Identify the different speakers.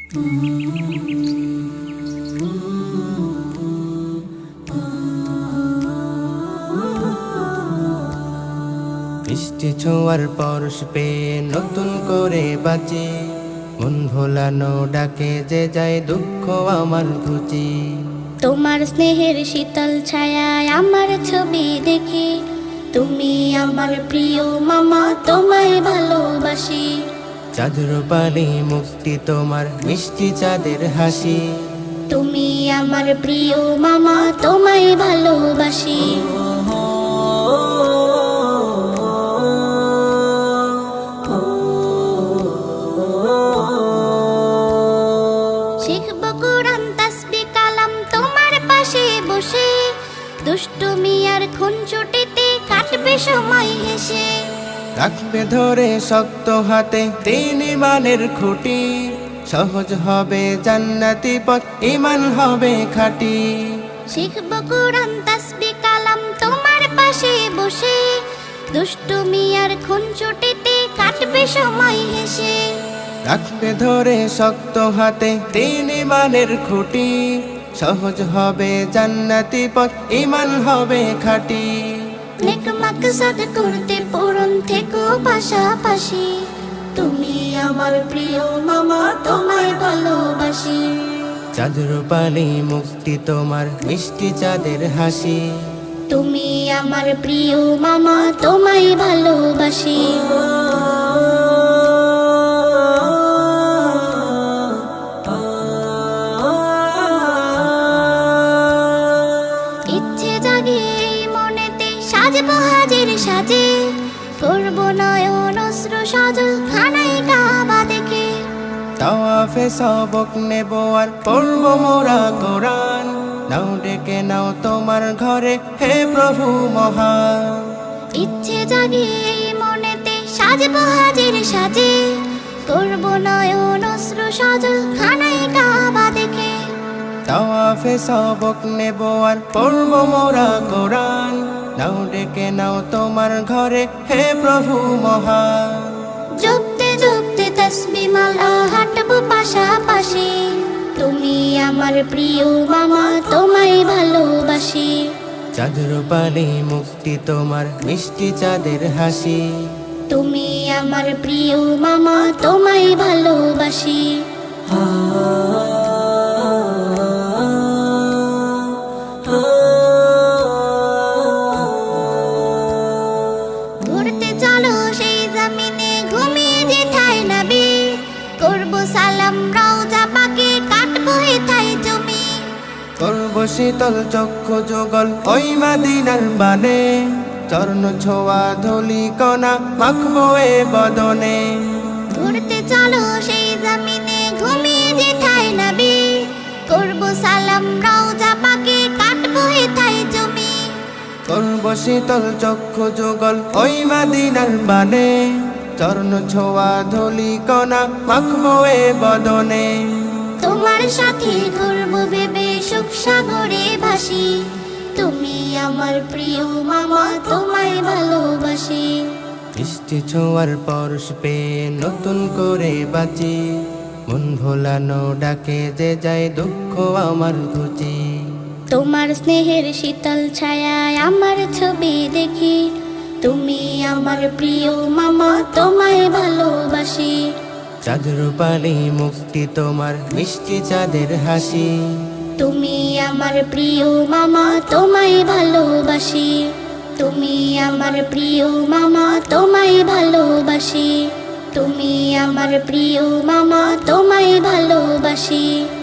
Speaker 1: বৃষ্টি ছোঁয়ার পরশ পেয়ে নতুন করে বাঁচি, মন ভোলানো ডাকে যে যায় দুঃখ আমার ঘুচি।
Speaker 2: তোমার স্নেহের শীতল ছায়ায় আমার ছবি দেখি, তুমি আমার প্রিয় মামা, তোমায় ভালোবাসি।
Speaker 1: চাঁদের পানি মুক্তি তোমার মিষ্টি চাঁদের হাসি,
Speaker 2: তুমি আমার প্রিয় মামা, তোমায় ভালোবাসি। শিখব কোরআন তাসবিহ কালাম তোমার পাশে বসে, দুষ্টুমি আর খুনসুটিতে কাটবে সময় হেসে।
Speaker 1: রাখবে ধরে শক্ত হাতে তিন ইমানের খুঁটি, সহজ হবে জান্নাতি পথ, ইমান হবে খাঁটি।
Speaker 2: শিখব কোরআন তাসবিহ কালাম তোমার পাশে বসে, দুষ্টুমি আর খুনসুটিতে কাটবে সময় হেসে।
Speaker 1: রাখবে ধরে শক্ত হাতে তিন ইমানের খুঁটি, সহজ হবে জান্নাতি পথ, ইমান হবে খাঁটি।
Speaker 2: নেক মাকসাদ করতে পূরণ থেকো পাশাপাশি, তুমি আমার প্রিয় মামা, তোমায় ভালোবাসি।
Speaker 1: চাঁদের পানি মুক্তি তোমার মিষ্টি চাঁদের হাসি,
Speaker 2: তুমি আমার প্রিয় মামা, তোমায় ভালোবাসি। ইচ্ছে জাগে এই মনেতে, সাজবো হাজির সাজে, করব নয়ন অশ্র সজল খানাই কাবা দেখে।
Speaker 1: তাওয়াফে সবক নেব আর পড়ব মোরা কোরআন, নাও ডেকে নাও তোমার ঘরে হে প্রভু মহান।
Speaker 2: ইচ্ছে জাগে এই মনেতে, সাজবো হাজির সাজে, করব নয়ন অশ্র সজল খানাই কাবা দেখে।
Speaker 1: তাওয়াফে সবক নেব আর পড়ব মোরা কোরআন, নাও ডেকে নাও তোমার ঘরে হে প্রভু মহান।
Speaker 2: জপতে জপতে তাসবিহ মালা হাঁটবো পাশাপাশি, তুমি আমার প্রিয় মামা, তোমায় ভালোবাসি।
Speaker 1: চাঁদের পানি মুক্তি তোমার মিষ্টি চাঁদের হাসি,
Speaker 2: তুমি আমার প্রিয় মামা, তোমায় ভালোবাসি। ঘুরতে চলো সেই জমিনে, ঘুমিয়ে যেথায় নবী, করব সালাম রওজা পাকে, কাটবো হেথায় জমি।
Speaker 1: করব শীতল চক্ষু যুগল ওই মাদিনার বানে, চরণ ছোঁয়া ধুলি কণা মাখবো এ বদনে।
Speaker 2: ঘুরতে চলো সেই জমিনে, ঘুমিয়ে যেথায় নবী, করব সালাম রওজা পাকে, কাটবো হেথায় জমি।
Speaker 1: করব শীতল চক্ষু যুগল ওই মাদিনার বানে, চরণ ছোঁয়া ধুলি কণা মাখবো এ বদনে।
Speaker 2: তোমার সাথে ঘুরবো ভেবে সুখ সাগরে ভাসি, তুমি আমার প্রিয় মামা, তোমায় ভালোবাসি।
Speaker 1: বৃষ্টি ছোঁয়ার পরশ পেয়ে নতুন করে বাঁচি, মন ভোলানো ডাকে যে যায় দুঃখ আমার ঘুচি।
Speaker 2: তোমার স্নেহের শীতল ছায়ায় আমার ছবি দেখি, তুমি আমার প্রিয় মামা, তোমায় ভালোবাসি।
Speaker 1: চাঁদের পানি মুক্তি তোমার মিষ্টি চাঁদের হাসি,
Speaker 2: তুমি আমার প্রিয় মামা, তোমায় ভালোবাসি। তুমি আমার প্রিয় মামা, তোমায় ভালোবাসি। তুমি আমার প্রিয় মামা, তোমায় ভালোবাসি।